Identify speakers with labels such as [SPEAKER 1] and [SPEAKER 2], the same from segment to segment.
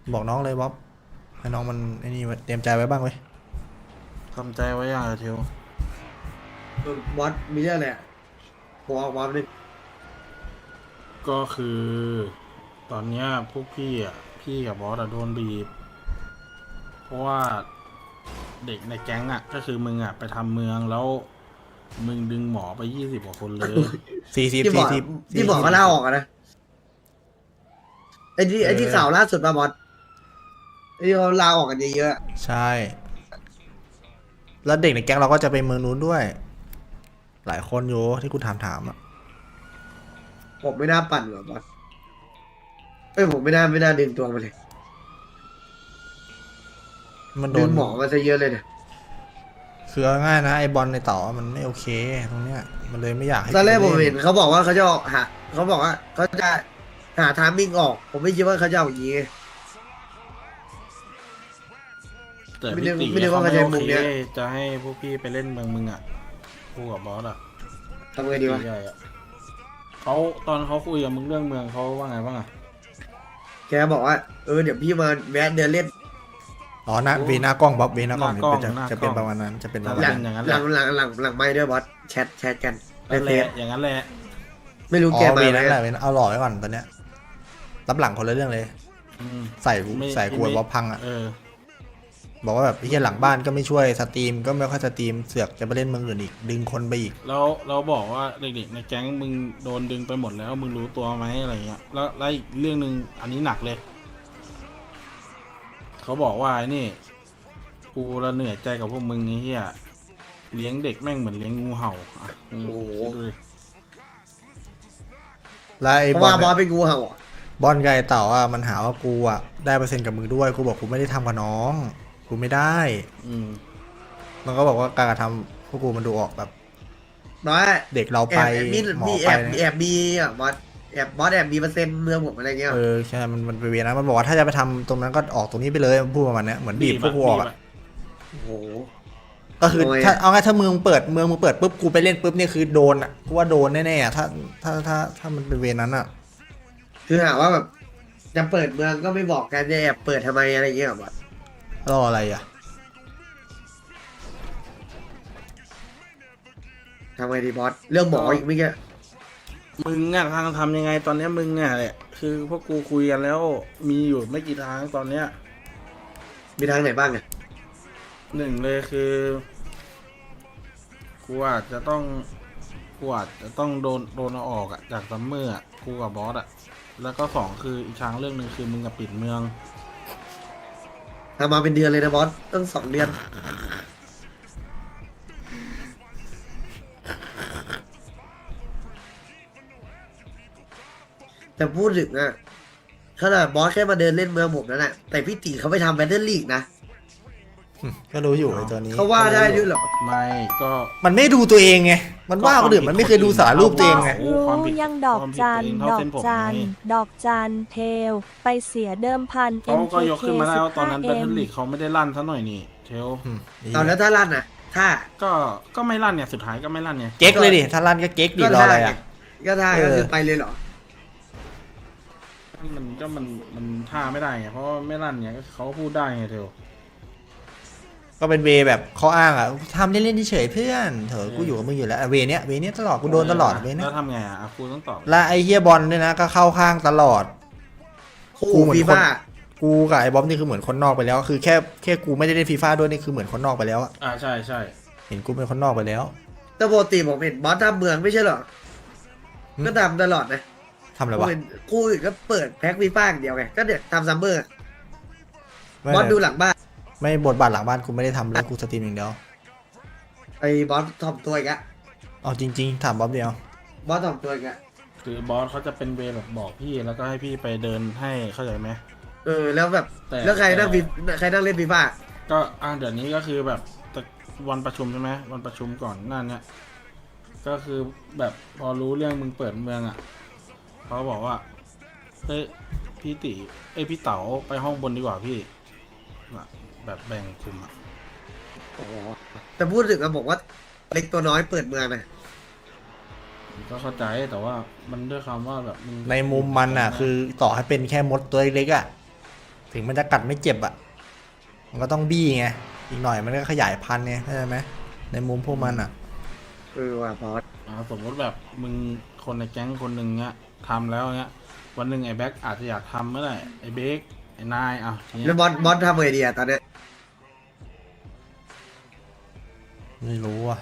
[SPEAKER 1] บอกน้องเลยบ๊อบให้น้องมันไอ้นี่เตรียมใจไว้บ้างเว้ย
[SPEAKER 2] ทำใจไว้อย่างเดียว
[SPEAKER 3] บอสมีเรื่องอะไรอะผมออกมาดิ
[SPEAKER 2] ก็คือตอนเนี้ยพวกพี่อ่ะพี่กับบอสอะโดนบีบเพราะว่าเด็กในแก๊งอ่ะก็คือมึงอ่ะไปทำเมืองแล้วมึงดึงหมอไป20กว่าคนเลย
[SPEAKER 1] 40
[SPEAKER 3] ที่บอก
[SPEAKER 1] 40
[SPEAKER 3] ที่บอกเขาลาออกอะนะไอ้ที่ข่าวล่าสุดมาบอสไอ้ที่เขาลาออกกันเยอะๆอะ
[SPEAKER 1] ใช่แล้วเด็กในแก๊งเราก็จะไปเมืองนู้นด้วย หลายคนอยู่ที่กูถามอ่ะ
[SPEAKER 3] ผมไม่น่าปั่นหรอกบอสผมไม่น่าดึงตัวมาเลย
[SPEAKER 1] มันโด
[SPEAKER 3] ดึ
[SPEAKER 1] น
[SPEAKER 3] งหมอมาซะเยอะเลยเนี่ย
[SPEAKER 1] คือเอาง่ายนะไอบอลในต่อมันไม่โอเคตรงเนี้ยมันเลยไม่อยากให้
[SPEAKER 3] ตอนแรกผม
[SPEAKER 1] ล่
[SPEAKER 3] เห็นเขาบอกว่าเขาจะออกหาเขาบอกว่าเขาจะหาทามมิ่งออก ผมไม่คิดว่าเขาจะเอาอย่างนี้
[SPEAKER 2] แต่
[SPEAKER 3] ไม่
[SPEAKER 2] พี่
[SPEAKER 3] ได้
[SPEAKER 2] ตี
[SPEAKER 3] ไม่ได้
[SPEAKER 2] เขา
[SPEAKER 3] ว่า
[SPEAKER 2] ไม่
[SPEAKER 3] เขาจะ
[SPEAKER 2] โอ
[SPEAKER 3] มุม
[SPEAKER 2] เค
[SPEAKER 3] เนี้ย
[SPEAKER 2] จะให้พวกพี่ไปเล่นเมืองมึงอ่ะคู่กับบอสอ่ะ
[SPEAKER 3] ทำไงดีวะ
[SPEAKER 2] ใหญ่อ่ะเขาตอนเขาคุยกับมึงเรื่องเมืองเขาว่าไงบ้างอ่ะ
[SPEAKER 3] แกบอกว่าเดี๋ยวพี่มาแวะเดินเล่น
[SPEAKER 1] อ๋อหน้าเวหน้ากล้องบ๊อบเวหน้ากล้อง
[SPEAKER 2] หน้ากล้อง
[SPEAKER 1] จะ
[SPEAKER 2] หน้ากล้อง
[SPEAKER 1] จะเป็นประมาณนั้นจะเป็นประ
[SPEAKER 3] ห
[SPEAKER 1] มาณ
[SPEAKER 3] ลั
[SPEAKER 1] นั้น
[SPEAKER 3] ง
[SPEAKER 2] อย่างนั้น
[SPEAKER 3] ห
[SPEAKER 2] แห
[SPEAKER 3] ลั
[SPEAKER 2] ละ
[SPEAKER 3] งหลังไม่ด้วยบอสแชทกันใน
[SPEAKER 2] นั่น
[SPEAKER 3] เฟ
[SPEAKER 2] แหละ
[SPEAKER 3] ซ
[SPEAKER 2] อย่างนั้นแหละ
[SPEAKER 3] ไม่รู้
[SPEAKER 1] อ๋
[SPEAKER 3] แก
[SPEAKER 1] อ
[SPEAKER 3] มา
[SPEAKER 1] เว
[SPEAKER 3] ไหม
[SPEAKER 1] นั้นแหละเวนั้นเอาหล่อไว้ก่อนตอนเนี้ยรับหลังคนละเรื่องเลย
[SPEAKER 2] อืม
[SPEAKER 1] ใส่กู
[SPEAKER 2] ไม่
[SPEAKER 1] ใส่กู
[SPEAKER 2] ไม่
[SPEAKER 1] บ๊อบพังอ่ะ
[SPEAKER 2] เออ
[SPEAKER 1] บอกว่าแบบไอ้เหี้ยหลังบ้านก็ไม่ช่วยสตรีมก็ไม่ค่อยสตรีมเสือกจะไปเล่นเมืองอื่นอีกดึงคนไปอีก
[SPEAKER 2] แล้วเราบอกว่าเด็กๆในแก๊งมึงโดนดึงไปหมดแล้วมึงรู้ตัวไหมอะไรเงี้ยแล้วอีกเรื่องหนึ่งอันนี้หนักเลยเขาบอกว่าไอ้นี่กูละเหนื่อยใจกับพวกมึงไอ้เหี้ยเลี้ยงเด็กแม่งเหมือนเลี้ยงงูเห่าอ่ะมึงคิดดูดิ
[SPEAKER 1] แล้วไอ้
[SPEAKER 3] เพราะ
[SPEAKER 1] บอ
[SPEAKER 3] ว่า
[SPEAKER 1] ล
[SPEAKER 3] บอสเป็นงูเห่าอะ
[SPEAKER 1] บอลไกบไอ้เต่าอ่ะมันหาว่ากูอ่ะได้เปอร์เซ็นต์กับมึงด้วยกูบอกกูไม่ได้ทำกับน้องกูไม่ได้
[SPEAKER 2] อืม
[SPEAKER 1] มันก็บอกว่าการกระทำพวกกูมันดูออกแบบ
[SPEAKER 3] น้อย
[SPEAKER 1] เด็กเรา
[SPEAKER 3] แอ
[SPEAKER 1] ไป
[SPEAKER 3] บมี
[SPEAKER 1] หมอ
[SPEAKER 3] มี
[SPEAKER 1] ไป
[SPEAKER 3] แอบมีอ่ะบอสแอบมีเปอร์เซ็นต์เมืองผมอะไรเงี้ย
[SPEAKER 1] ใช่มันไปเวียนนะมันบอกว่าถ้าจะไปทำตรงนั้นก็ออกตรงนี้ไปเลยมันพูดประมาณเนี้ยเหมือนบีบพวกกูออกอ่ะ
[SPEAKER 3] โอ้โห
[SPEAKER 1] ก็คือ
[SPEAKER 3] โอ้ย
[SPEAKER 1] ถ้าเอาง่ายถ้าเมืองเปิดปุ๊บกูไปเล่นปุ๊บเนี่ยคือโดนอ่ะกูว่าโดนแน่ๆอ่ะถ้ามันเป็นเวรนั้นอ่ะ
[SPEAKER 3] คือหาว่าแบบจะเปิดเมืองก็ไม่บอกกันจะแอบเปิดทำไมอะไรเงี้ยบอส
[SPEAKER 1] รออะไรอ่ะ
[SPEAKER 3] ทำไงดีบอสเรื่องหมออีกไม่แก่
[SPEAKER 2] มึงอ่ะทำยังไงตอนเนี้ยมึงอ่ะแหละคือพวกกูคุยกันแล้วมีอยู่ไม่กี่ทางตอนเนี้ย
[SPEAKER 3] มีทางไหนบ้างอ่ะ
[SPEAKER 2] หนึ่งเลยคือกูอาจจะต้องโดนเอาออกอะจากซัมเมอร์อะกูกับบอสอะแล้วก็สองคืออีกทางเรื่องหนึ่งคือมึงกับปิดเมือง
[SPEAKER 3] ทำมาเป็นเดือนเลยนะบอสตั้ง2 เดือนแต่พูดถึงอ่ะขนาดบอสแค่มาเดินเล่นเมืองผมนั่นแหละแต่พี่ตีเขาไปทำแบตเตอร์ลีกนะ
[SPEAKER 1] ก็รู้อยู่ไอ้ตัวนี้
[SPEAKER 3] เขาว่าได้ด้วยเหรอ
[SPEAKER 2] ไม่ก็
[SPEAKER 1] มันไม่ดูตัวเองไงมันว่าคนอื่นมันไม่เคยดูสารรูปตัวเองไง
[SPEAKER 2] โอ้
[SPEAKER 4] รู้
[SPEAKER 2] ความผิด
[SPEAKER 4] ยังดอกจัน
[SPEAKER 2] ความผิดตัวเองเท่าเส้นผม
[SPEAKER 4] ดอกจัน
[SPEAKER 2] ไง
[SPEAKER 4] ดอกจันเทล ไปเสียเดิมพัน
[SPEAKER 2] เขาก็ยก
[SPEAKER 4] MKK
[SPEAKER 2] ขึ้นมาได้ว่าตอนนั้นแบทเทิล
[SPEAKER 4] 15M
[SPEAKER 2] ลีกเขาไม่ได้ลั่นซะหน่อยนี่เทล
[SPEAKER 3] เอาแล้วถ้าลั่นอ่ะ ถ้า
[SPEAKER 2] ก็ไม่ลั่นเนี่ยสุดท้ายก็ไม่ลั่นเนี่ย
[SPEAKER 1] เก๊กเลยดิถ้าลั่นก็เก๊กดิรออะไรอ่ะ
[SPEAKER 3] ก็ถ้า
[SPEAKER 1] เออ
[SPEAKER 3] ก็คือไปเลยเหรอ
[SPEAKER 2] มันท่าไม่ได้ไงเพราะว่าไม่ลั่นเนี่ยเขาก็พูดได้ไงเทล
[SPEAKER 1] ก็เป็นเวแบบข้ออ้างอ่ะทำเล่นๆเฉยๆเพื่อนเถอะกูอยู่กับมึงอยู่แล้วเวเนี้ยตลอดกูโดนตลอดเวเนี้
[SPEAKER 2] แล้
[SPEAKER 1] ยว
[SPEAKER 2] ทำไงอ่ะครูต้องตอบ
[SPEAKER 1] และไอ้เฮียบอลเนี่ยนะก็เข้าข้างตลอด
[SPEAKER 3] คู่
[SPEAKER 1] กูเหมือน
[SPEAKER 3] ฟี
[SPEAKER 1] คน
[SPEAKER 3] ฟ่า
[SPEAKER 1] กูกับไอ้บ๊อบนี่คือเหมือนคนนอกไปแล้ว คือแค่กูไม่ได้เล่นฟีฟ่าด้วยนี่คือเหมือนคนนอกไปแล้วอะ
[SPEAKER 2] ใช่ใช่
[SPEAKER 1] เห็นกูเป็นคนนอกไปแล้ว
[SPEAKER 3] แต่ปกติผมเห็นบอสทำเมืองไม่ใช่เหรอ
[SPEAKER 1] อืม
[SPEAKER 3] ก็ทำตลอดนะ
[SPEAKER 1] ทำอะไร
[SPEAKER 3] ผม
[SPEAKER 1] วะ
[SPEAKER 3] เห็นคู่อื่นก็เปิดแพ็คฟีฟ่าอย่างเดียวไงก็เดี๋ยวทำซัมเมอร์
[SPEAKER 1] ไม่
[SPEAKER 3] บอสดูหลังบ้าน
[SPEAKER 1] ไม่บทบาทหลังบ้านกูไม่ได้ทำเลยกูสตรีมอย่างเดียว
[SPEAKER 3] ไอ้บอสถ่อมตัวอีกอะ
[SPEAKER 1] เอาจริงๆถามบ๊อบเดียว
[SPEAKER 3] บอสถ่อมตัวอีกอะ
[SPEAKER 2] คือบอสเขาจะเป็นเวรแบบบอกพี่แล้วก็ให้พี่ไปเดินให้เข้าใจไหม
[SPEAKER 3] แล้วแบบ
[SPEAKER 2] แต่
[SPEAKER 3] แล้วใครนั่งใครนั่งเล่นฟีฟ่า
[SPEAKER 2] ก็เดี๋ยวนี้ก็คือแบบวันประชุมใช่ไหมวันประชุมก่อนหนั่นเนี่ยก็คือแบบพอรู้เรื่องมึงเปิดเมืองอ่ะเขาบอกว่าเฮ้ยพี่ติพี่เต๋าไปห้องบนดีกว่าพี่น่ะแบบแบ่งกลุ่มอ่ะ
[SPEAKER 3] โอ้โหแต่พูดถึงอะบอกว่าเล็กตัวน้อยเปิดเมืองนะ
[SPEAKER 2] ก็เข้าใจแต่ว่ามันด้วยคำว่าแบบมึง
[SPEAKER 1] ในมุมมันอ่ะ คือต่อให้เป็นแค่มดตัวเล็กๆอ่ะถึงมันจะกัดไม่เจ็บอ่ะมันก็ต้องบี้ไงอีกหน่อยมันก็ขยายพันธุ์ไงเข้าใจไหมในมุมพวกมันอ่ะ
[SPEAKER 3] ว่ะบอส
[SPEAKER 2] สมมติแบบมึงคนในแก๊งคนหนึ่งเนี้ยทำแล้วเนี้ยวันหนึ่งไอ้แบ็คอาจจะอยากทำเมื่อไหร่ไอ้เบคไอ้นายที
[SPEAKER 3] แล้ว
[SPEAKER 2] เนี้ย
[SPEAKER 3] บอสทำไงดีอะตอนเนี้ย
[SPEAKER 1] ไม่รู้อ่ะ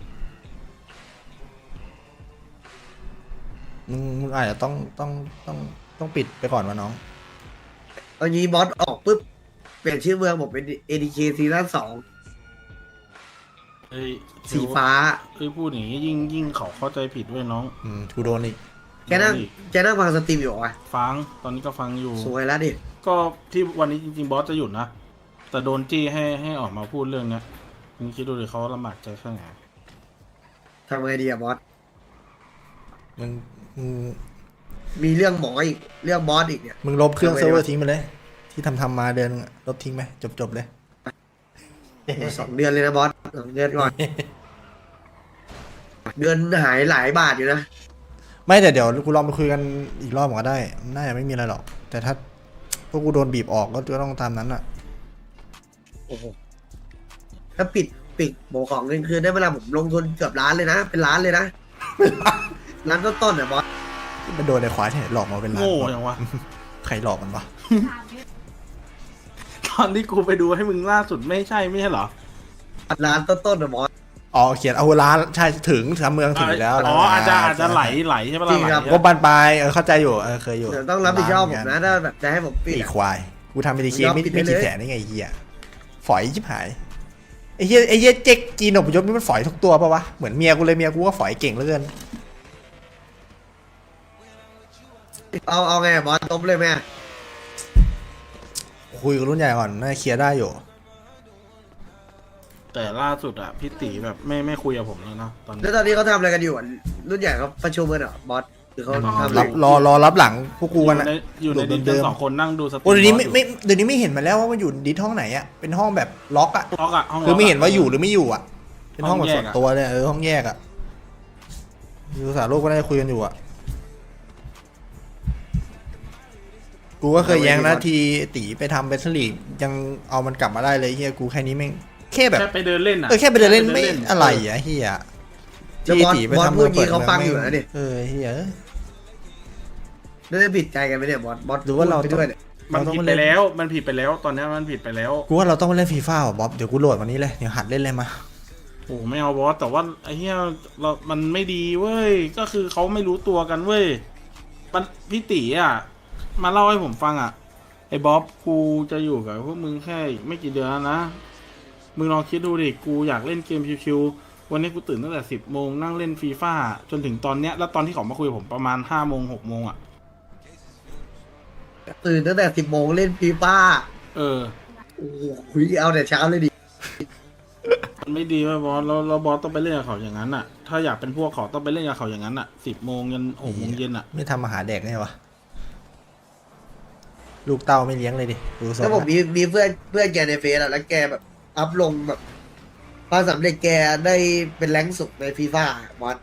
[SPEAKER 1] มึงอาจจะต้องปิดไปก่อนวะน้อง
[SPEAKER 3] ตอนนี้บอสออกปุ๊บเปลี่ยนชื่อเมืองผมเป็น ADK ซีซั่น2
[SPEAKER 2] เอ้ย
[SPEAKER 3] สีฟ้า
[SPEAKER 2] พูดอย่างนี้ยิ่งเขาเข้าใจผิดด้วยน้อง
[SPEAKER 1] กูโดนอีก
[SPEAKER 3] แกนั่งฟังสตรีมอยู่วะ
[SPEAKER 2] ฟังตอนนี้ก็ฟังอยู่
[SPEAKER 3] สวยแล้วดิ
[SPEAKER 2] ก็ที่วันนี้จริงๆบอสจะหยุดนะแต่โดนจี้ให้ออกมาพูดเรื่องเนี้ยมึงคิดดูดิเขาลำบากใจแค่ไหน
[SPEAKER 3] ทำไงดีอะบอส
[SPEAKER 1] มึง
[SPEAKER 3] มีเรื่องหมออีกเรื่องบอสอีกเนี่ย
[SPEAKER 1] มึงลบเครื่อง
[SPEAKER 3] ทำไม
[SPEAKER 1] เซิร์ฟเวอ
[SPEAKER 3] วะ
[SPEAKER 1] ร์ทิ้งไปเลย ที่ทำมาเดือนนึงอะลบทิ้งไปจบเลย
[SPEAKER 3] 2 เดือนเลยนะบอส2 เดือนก่อน เดือนหายหลายบาทอยู่นะ
[SPEAKER 1] ไม่แต่เดี๋ยวกูลองไปคุยกันอีกรอบก็ได้น่าจะไม่มีอะไรหรอก แต่ถ้าพวกกูโดนบีบออกก็ต้องตามนั้นอ่ะ
[SPEAKER 3] โอ้โหถ้าปิดโบของเงินคืนได้เวลาผมลงทุนเกือบล้านเลยนะ เป็นล้านเลยนะ ล้านต้นๆอะบอส
[SPEAKER 1] มันโดนไอ้ควายที่ไหนหลอกมาเป็นล้าน
[SPEAKER 2] โง่อย่างวะ
[SPEAKER 1] ใครหลอกมันวะ
[SPEAKER 2] ตอนที่กูไปดูให้มึงล่าสุดไม่ใช่เหรอ
[SPEAKER 3] ล้านต้นๆอะบอส
[SPEAKER 1] อ๋อเขียนเอาร้านใช่ถึงทำเมืองถึงแล้ว
[SPEAKER 2] อ๋ออาจจะไหลใช่ปะ
[SPEAKER 3] จริ
[SPEAKER 2] ล่ะ
[SPEAKER 3] งครับ
[SPEAKER 2] ไหล
[SPEAKER 1] ก็บานปลายเข้าใจอยู่เคยอยู่
[SPEAKER 3] เดี๋ยวต้องรับผิดชอบผมนะถ้าแบบจะให้ผมปิด
[SPEAKER 1] ไอ้
[SPEAKER 3] อะ
[SPEAKER 1] ควายกูทำเป็นดีเค
[SPEAKER 3] ยอม
[SPEAKER 1] ไม่
[SPEAKER 3] ปิด
[SPEAKER 1] ไม่
[SPEAKER 3] ไปเลย
[SPEAKER 1] กี่แสนได้ไงไอ้เหี้ยฝอยชิบหายไอ้เหี้ยเจ๊กจีนอพยพนี่มันฝอยทุกตัวปะวะเหมือนเมียกูเลยเมียกูก็ฝอยเก่งเหลือเกิน
[SPEAKER 3] เอาไงอะบอสตบเลยไหม
[SPEAKER 1] คุยกับรุ่นใหญ่ก่อนน่าจะเคลียร์ได้อยู่
[SPEAKER 2] แต่ล่าสุดอะพี่ตีแบบไม่คุยกับผมแล้วนะตอนนี้
[SPEAKER 3] แล้วตอนนี้เขาทำอะไรกันอยู่อะรุ่นใหญ่เขาประชุมกันเหรอบอสหรือเขาทำอะไร
[SPEAKER 1] รอรับหลังพวกกูกันอะ
[SPEAKER 2] อยู่ในดิส
[SPEAKER 1] เดิ
[SPEAKER 2] กัน
[SPEAKER 1] มๆ
[SPEAKER 2] สองคนนั่งดูสตรีม
[SPEAKER 1] โอ้เดี๋ยวนี้
[SPEAKER 2] บอส
[SPEAKER 1] เดี๋ยวนี้ไม่เห็นมาแล้วว่ามันอยู่ดิสห้องไหนอะเป็นห้องแบบล็อกอะ
[SPEAKER 2] ล็อกอะห้อง
[SPEAKER 1] คือไม่เห็นว่า
[SPEAKER 2] ล็กะ
[SPEAKER 1] อยู่หรือไม่อยู่อะเป็นห้องแบบ
[SPEAKER 2] ห้องแย
[SPEAKER 1] ส่
[SPEAKER 2] ก
[SPEAKER 1] วน
[SPEAKER 2] อะ
[SPEAKER 1] ตัวเลยห้องแยกอะดูสารโลกก็ได้คุยกันอยู่อะกูก็เคยแย้งนะทีตีไปทำเบสลีกยังเอามันกลับมาได้เลยเฮียกูแค่นี้แม่งแค่แบบ
[SPEAKER 2] แค่ไปเดินเล่นอะ
[SPEAKER 1] แค่ไปเดินเล่นไม่อะไรอะเฮีย
[SPEAKER 3] แล้วบอส
[SPEAKER 1] ตีไป
[SPEAKER 3] บอส
[SPEAKER 1] ทำ
[SPEAKER 3] พูด
[SPEAKER 1] เมือง
[SPEAKER 3] งี้เขาฟังอยู่
[SPEAKER 1] มื
[SPEAKER 3] นะดิ
[SPEAKER 1] เฮีย
[SPEAKER 3] แล้วจะผิดใจกันไหมเนี่ยบอส
[SPEAKER 1] หรือว่าเรา
[SPEAKER 3] พูดไปด้วยเนี่ย
[SPEAKER 2] มันผิดไปแล้วมันผิดไปแล้วตอนนี้มันผิดไปแล้ว
[SPEAKER 1] กูว่าเราต้องมาเล่นฟีฟ่าว่ะบ๊อบเดี๋ยวกูโหลดวันนี้เลยเดี๋ยวหัดเล่นเลยมา
[SPEAKER 2] โอ้ไม่เอาบอสแต่ว่าไอ้เหี้ยมันไม่ดีเว้ยก็คือเขาไม่รู้ตัวกันเว้ยมันพี่ตีอะมาเล่าให้ผมฟังอะไอ้บ๊อบกูจะอยู่กับพวกมึงแค่อีกไม่กี่เดือนแล้วนะมึงลองคิดดูดิกูอยากเล่นเกมชิวๆวันนี้กูตื่นตั้งแต่10 โมงนั่งเล่นฟีฟ่าจนถึงตอนเนี้ยแล้วตอนที่เขามาคุยกับผมประมาณ5 โมง 6 โมงอะ
[SPEAKER 3] ตื่นตั้งแต่10 โมงเล่นฟีฟ่า
[SPEAKER 2] เออ
[SPEAKER 3] โอ้โหคุยเอาแต่เช้าเลยดิ
[SPEAKER 2] มันไม่ดีเว้ยบอสแล้วบอสต้องไปเล่นกับเขาอย่างนั้นอ่ะ ถ้าอยากเป็นพวกเขาต้องไปเล่นกับเขาอย่างนั้นอ่ะ10 โมงยัน6 โมงเย็นอ่ะ
[SPEAKER 1] ไม่ทำอาหารแดกไงวะลูกเต้าไม่เลี้ยงเลยดิดูส
[SPEAKER 3] แล้วผมมีเพื่อนแกในเฟซอะแล้วแกแบบอัพลงแบบความสำเร็จแกได้เป็นแรงค์สุดในฟีฟ่าบอส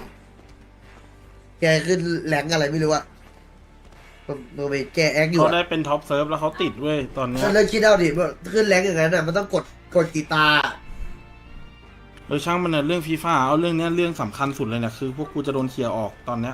[SPEAKER 3] แกขึ้นแรงค์อะไรไม่รู้อะผมไปแกแอคอยู่
[SPEAKER 2] เขา
[SPEAKER 3] อะ
[SPEAKER 2] ได้เป็นท็อปเซิร์ฟแล้วเขาติดเว้ยตอนเนี้ย
[SPEAKER 3] แล้วคิดเอาดิว่าขึ้นแรงค์อย่างนั้นอะมันต้องกดกีตาร์
[SPEAKER 2] ช่างมันเนี่ยเรื่องฟีฟ่าเอาเรื่องเนี้ยเรื่องสำคัญสุดเลยเนี่ยคือพวกกูจะโดนเคลียร์ออกตอนเนี้ย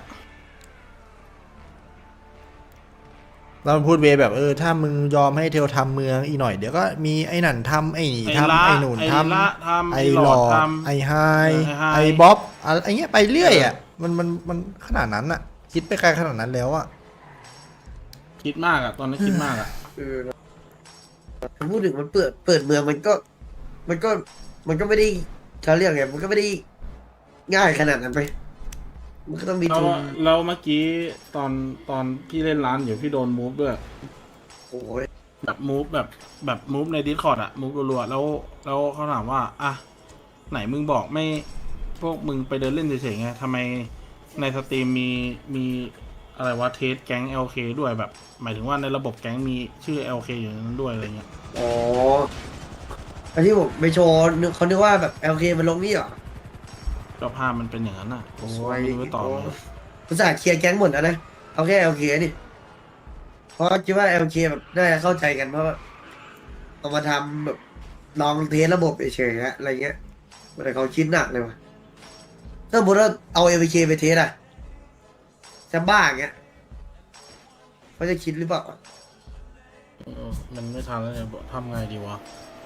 [SPEAKER 1] เราพูดเวแบบถ้ามึงยอมให้เทลทำเมืองอีกหน่อยเดี๋ยวก็มีไอ้นั่นทำไอ้นี่ทำไอ้หนุนทำ
[SPEAKER 2] ละทำ
[SPEAKER 1] ไอ้
[SPEAKER 2] ไอ้
[SPEAKER 1] ห
[SPEAKER 2] ห
[SPEAKER 1] ล
[SPEAKER 2] ล
[SPEAKER 1] อ
[SPEAKER 2] อ
[SPEAKER 1] ด
[SPEAKER 2] ดท
[SPEAKER 1] ไอ้ไฮ
[SPEAKER 2] ไฮ
[SPEAKER 1] ไอ้บ๊อบอะไรเงี้ยไปเรื่อยอ่ะมันขนาดนั้นอ่ะ คิดไปไกลขนาดนั้นแล้วอ่ะ
[SPEAKER 2] ำคิดมากอ่ะตอนนี้คิดมากอ่ะ
[SPEAKER 3] พูดถึงมันเปิดเมืองมันก็ไม่ได้เขาเรียกไงมันก็ไม่ได้ง่ายขนาดนั้นไปมันก็ต้องมี
[SPEAKER 2] แล้ว
[SPEAKER 3] ทุน
[SPEAKER 2] แล้วเมื่อกี้ตอนพี่เล่นร้านอยู่พี่โดนมูฟด้วย
[SPEAKER 3] โอ้ย
[SPEAKER 2] แบบมูฟในดิสคอร์ดอะมูฟรัวๆแล้วเขาถามว่าอ่ะไหนมึงบอกไม่พวกมึงไปเดินเล่นเฉยๆไงทำไมในสตรีมมีอะไรวะเทสแก๊ง LK ด้วยแบบ หมายถึงว่าในระบบแก๊งมีชื่อ LK อยู่ในนั้นด้วยอะไรเงี้ย
[SPEAKER 3] อ๋ออันที่ผมไปโชว์เขาคิดว่าแบบ LK มันลงนี่เหรอ
[SPEAKER 2] ก็ภาพมันเป็นอย่างนั้นอ่ะผม
[SPEAKER 3] โอ้
[SPEAKER 2] ว่าย ไม่รู้ไปต่อไง
[SPEAKER 3] ภาษาห์เคลียร์แก๊งหมดแล้วนะเอาแค่ LK นี่เพราะคิดว่า LK แบบน่าจะเข้าใจกันเพราะว่าเอามาทำแบบลองเทสระบบเฉยๆฮะอะไรเงี้ยแต่เขาคิดหนักเลยว่ะถ้าสมมติว่าเอา LK ไปเทสอะจะบ้าอย่างเงี้ยเขาจะคิดหรือเปล่า
[SPEAKER 2] มันไม่ทันแล้วเนี่ยทำไงดีวะ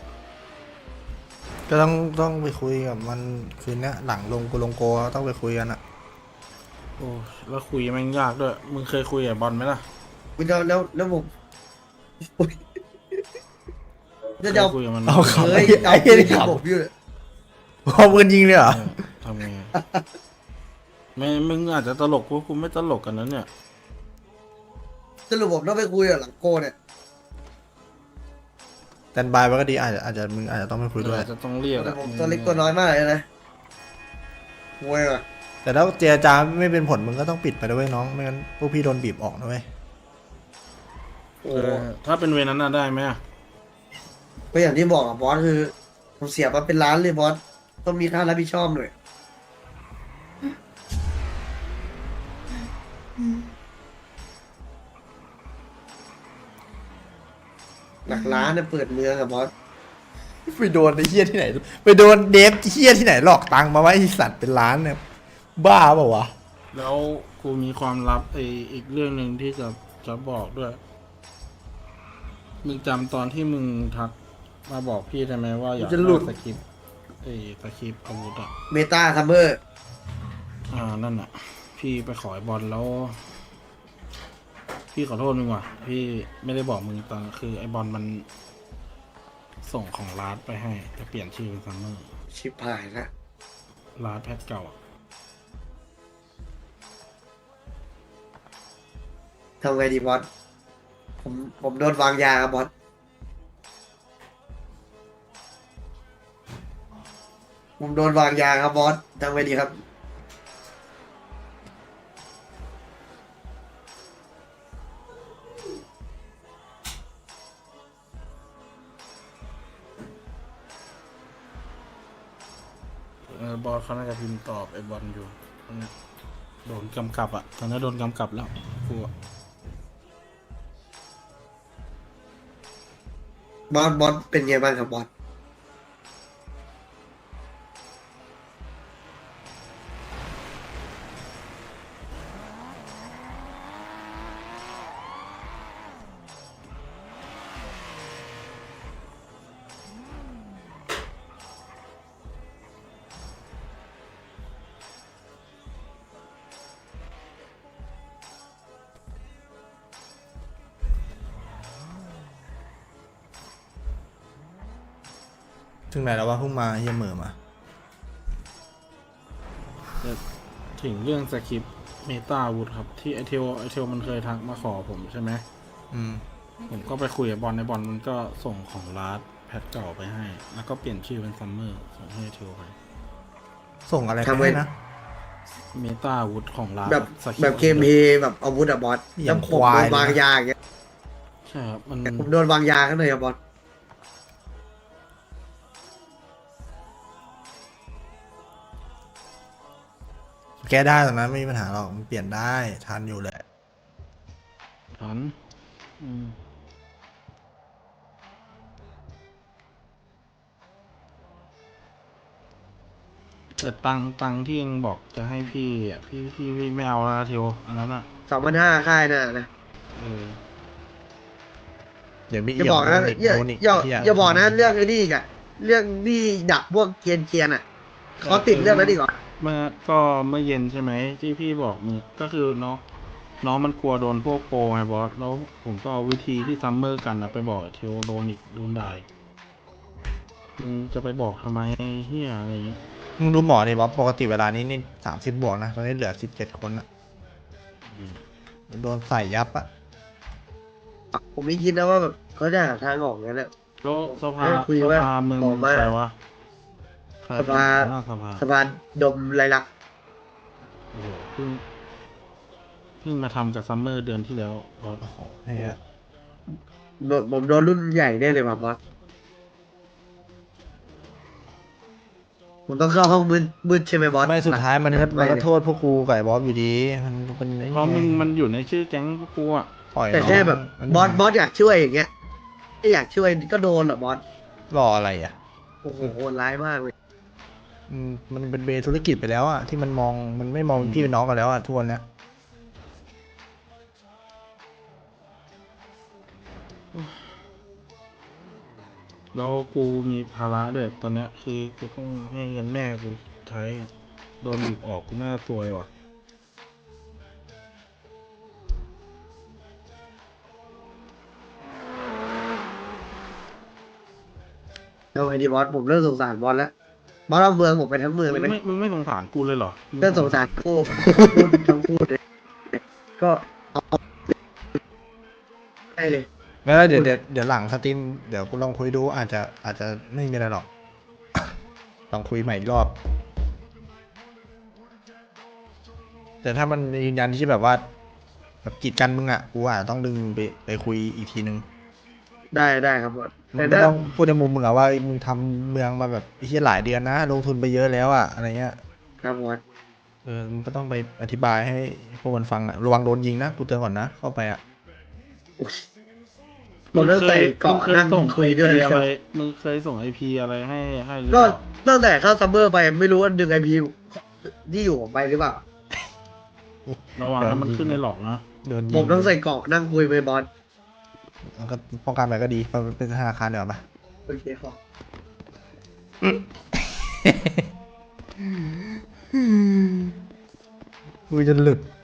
[SPEAKER 1] ก็ต้องไปคุยกับมันคืนนี้หลังลงกูลงโกต้องไปคุยกันอะ
[SPEAKER 2] โอ้แล้วคุยแม่งยากด้วยมึงเคยคุยกับบอลไหมล่ะ
[SPEAKER 3] คุณจะแล้วผมจะ
[SPEAKER 2] เค
[SPEAKER 3] เอา
[SPEAKER 2] ยคุยกับมันไหม
[SPEAKER 1] เอา
[SPEAKER 3] เค
[SPEAKER 1] ขับ
[SPEAKER 3] ย
[SPEAKER 1] ไอ้
[SPEAKER 3] เอา
[SPEAKER 1] เหี้
[SPEAKER 3] ปื
[SPEAKER 1] ย
[SPEAKER 3] น
[SPEAKER 1] นี่
[SPEAKER 3] ยิง
[SPEAKER 1] ขับ
[SPEAKER 3] ผมอยู่เลย
[SPEAKER 1] พอปืนยิงเลยเหรอ
[SPEAKER 2] ทำไงไม่มึงอาจจะตลกกูไม่ตลกกันนั้นเนี่ย
[SPEAKER 3] สรุปผมต้องไปคุยกับหลังโกเนี่ย
[SPEAKER 1] แตนบายไว้ก็ดีอาจจะมึงอาจจะต้องไปคุยด้วย
[SPEAKER 2] อาจจะต้องเรียก
[SPEAKER 3] แต่
[SPEAKER 2] อะ
[SPEAKER 3] ผมตัวเล็กตัวน้อยมากเลยนะมวยอ่ะ
[SPEAKER 1] แต่ถ้าเจรจาไม่เป็นผลมึงก็ต้องปิดไปด้วยน้องไม่งั้นพวกพี่โดนบีบออกนะเว้ย
[SPEAKER 3] โอ้
[SPEAKER 2] ถ้าเป็นเวรนั้นน่ะได้ไหมอะ
[SPEAKER 3] ก็อย่างที่บอกอะบอสคือผมเสียมาเป็นล้านเลยบอสต้องมีค่ารับผิดชอบหน่อยหลักล้านเนี่ยเปิดเมืองอะบอส
[SPEAKER 1] ไปโดนไอ้เฮี้ยที่ไหนไปโดนเดฟเฮี้ยที่ไหนหลอกตังค์มาไว้ไอ้สัตว์เป็นล้านเนี่ยบ้าเปล่าวะ
[SPEAKER 2] แล้วกูมีความลับอีกเรื่องหนึ่งที่จะบอกด้วยมึงจำตอนที่มึงทักมาบอกพี่ได้ไหมว่าอยากได้สคริปต์สคริปต์อาวุธอะ
[SPEAKER 3] เมตาซัมเมอร์
[SPEAKER 2] นั่นอ่ะ พี่ไปขอไอ้บอลแล้ว พี่ขอโทษมึงว่ะ พี่ไม่ได้บอกมึงตอนคือไอ้บอลมันส่งของลาดไปให้จะเปลี่ยนชื่อเป็นซัมเมอร์
[SPEAKER 3] ชิบหายละ
[SPEAKER 2] ลาดแพทเก่าอะ
[SPEAKER 3] ทำไงดีบอสผมโดนวางยาครับบอสผมโดนวางยาครับบอสทำไงดีครับ
[SPEAKER 2] บอลเขาน่าจะพิมพ์ตอบไอ้บอลอยู่ตอนนี้โดนกำกับอ่ะตอนนี้โดนกำกับแล้วกูอะ
[SPEAKER 3] บอสเป็นไงบ้างครับบอส
[SPEAKER 1] ถึงไหนแล้ววะเพิ่งมาเฮี้ยเหม่อมา
[SPEAKER 2] ถึงเรื่องสคริปต์เมตาอาวุธครับ ที่ไอเทลมันเคยทักมาขอผมใช่ไหม
[SPEAKER 1] อืม
[SPEAKER 2] ผมก็ไปคุยกับบอลในบอลมันก็ส่งของลาดแพทเก่าไปให้ แล้วก็เปลี่ยนชื่อเป็นซัมเมอร์ส่งให้เทลไป
[SPEAKER 1] ส่งอะไรไป
[SPEAKER 3] ทำไว้
[SPEAKER 1] ให้นะ
[SPEAKER 2] เมตาอาวุธของลาด
[SPEAKER 3] แบบ
[SPEAKER 2] สคริปต์
[SPEAKER 3] แบบเคมเพแบบอาวุธอะบอส
[SPEAKER 1] อ
[SPEAKER 3] แล้
[SPEAKER 1] ย่าว ง
[SPEAKER 3] ผม
[SPEAKER 1] ควาย
[SPEAKER 3] โดนวางยาอย่างเงี้ย
[SPEAKER 2] ใช่ครับมัน
[SPEAKER 3] ผมโดนวางยากันเลยอะบอส
[SPEAKER 1] แก้ได้ตอนนั้นไม่มีปัญหาหรอกมันเปลี่ยนได้ทันอยู่แหละ
[SPEAKER 2] ทันอืมแต่ตังค์ที่ยังบอกจะให้พี่อ่ะพี่ไม่เอาแล้วนะเทลอันนั้นอ่ะ
[SPEAKER 3] 2,500ค่ายน่ะนะ
[SPEAKER 2] เออ
[SPEAKER 1] เดี๋ยวมี
[SPEAKER 3] อย่าบอกนะ
[SPEAKER 1] อีก
[SPEAKER 3] อย่า
[SPEAKER 1] โดนอีก
[SPEAKER 3] อย่า
[SPEAKER 1] เหี้ย
[SPEAKER 3] อย่าบอกนะเรื่องไอ้นี่อีกอะเรื่องนี่ดักพวกเกรียนอะเขาติดเรื่องนั้นอีกเหรอ
[SPEAKER 2] เมื่อเย็นใช่ไหมที่พี่บอกมึงก็คือน้องมันกลัวโดนพวกโปรไงบอสแล้วผมก็เอาวิธีที่ซัมเมอร์กันนะไปบอกเทลโดนอีกโดนด่าอีกมึงจะไปบอกทำไมเฮียอะไรอย่างเงี้ย
[SPEAKER 1] มึงดูหมอดิบอสปกติเวลานี้นี่30 บวกนะตอนนี้เหลือ17 คนอะโดนใส่ยับอะ
[SPEAKER 3] ผมไม่คิดนะว่าแบบเขาจะหาทางออกงั้นแหละ
[SPEAKER 2] แล้วสภา
[SPEAKER 3] คุยว่า
[SPEAKER 2] มึง
[SPEAKER 3] บอกว่า
[SPEAKER 2] ใครวะใคร
[SPEAKER 3] สภา
[SPEAKER 2] เป็นหัวหน้สภา
[SPEAKER 3] สะพานดมไรลักษณ์
[SPEAKER 2] โอ้โหเพิ่งมาทำกับซัมเมอร์เดือนที่แล้วบอส
[SPEAKER 1] เฮีย
[SPEAKER 3] ผมโดนรุ่นใหญ่แน่เลยว่ะบอสผมต้องเข้าห้องมืดใช่ไหมบอส
[SPEAKER 1] ไม่สุดท้ายมันก็
[SPEAKER 3] ไม่เลย
[SPEAKER 1] โทษพวกกูกับไอ้บอสอยู่ดีมันเป็นไอ้
[SPEAKER 2] เพราะ
[SPEAKER 1] เหี้ย
[SPEAKER 2] มันอยู่ในชื่อแก๊งพวกกูอ่ะ
[SPEAKER 1] ปล่อย
[SPEAKER 3] แต่
[SPEAKER 1] น้ง
[SPEAKER 3] แค่แบบ
[SPEAKER 1] มัน
[SPEAKER 3] บอสอยากช่วยอย่างเงี้ยไม่อยากช่วยก็โดนเหรอบอส
[SPEAKER 1] รออะไรอ่ะ
[SPEAKER 3] โอ้โหโหดร้ายมากเลย
[SPEAKER 1] มันเป็นเวธุรกิจไปแล้วอ่ะที่มันมองมันไม่มองเป็นพี่เป็นน้องกันแล้วอ่ะทุกวันเนี้ย
[SPEAKER 2] แล้วกูมีภาระด้วยตอนเนี้ยคือกูต้องให้เงินแม่กูใช้โดนบีบออกกูน่าซวยว่ะ
[SPEAKER 3] เอาไงดีบอสผมเริ่มสงสารบอสแล้วบอสเอาเมืองผมไปทั้งเมือง
[SPEAKER 2] มึ
[SPEAKER 3] เลยไหม
[SPEAKER 2] งไม่สงสารกูเลยเหรอ
[SPEAKER 3] เริ่มสงสารคู่พูดทั้งพูดเลยก็เอาได้เลย
[SPEAKER 1] แล้วเดี๋ยวหลังสตรีมเดี๋ยวกูลองคุยดูอาจจะไม่มีอะไรหรอก ลองคุยใหม่อีกรอบ แต่ถ้ามันยืนยันที่แบบว่าแบบกีดกันมึงอ่ะกูอาจจะต้องดึงไปคุยอีกทีนึง
[SPEAKER 3] ได้ครับบอส
[SPEAKER 1] มึ
[SPEAKER 3] แต่
[SPEAKER 1] งก็
[SPEAKER 3] ถ้า
[SPEAKER 1] ต้องพูดในมุมมึงอะว่ามึงทำเมืองมาแบบไอ้เหี้ยหลายเดือนนะลงทุนไปเยอะแล้วอะอะไรเงี้ย
[SPEAKER 3] ครับบอส
[SPEAKER 1] มึงก็ต้องไปอธิบายให้พวกมันฟังอะระวังโดนยิงนะกูเตือนก่อนนะเข้าไปอะ
[SPEAKER 3] ผมเริ่มใส่เกาะนั่ง
[SPEAKER 2] ส่ง
[SPEAKER 3] คุยด้วย
[SPEAKER 2] IP
[SPEAKER 3] นะ
[SPEAKER 2] อะ
[SPEAKER 3] ค
[SPEAKER 2] ไร
[SPEAKER 3] รับ
[SPEAKER 2] มึงเคยส่งไอพีอะไรให้หรือเป
[SPEAKER 3] ก็
[SPEAKER 2] ล่า
[SPEAKER 3] ตั้งแต่เข้าซัมเมอร์ไปไม่รู้ว่าดึงไอพีที่อยู่ผมไปหรือเปล่า
[SPEAKER 2] ระวังนะมันขึ้นในหลอกนะ
[SPEAKER 1] โดนยิง
[SPEAKER 3] ผมต้องใส่เกาะนั่งคุยไปบอส
[SPEAKER 1] มันก็ป้องกันไปก็ดีมันเป็นธนาคารเดี๋ยวาปะ
[SPEAKER 3] โอเคครับ
[SPEAKER 1] คุยจนหลุด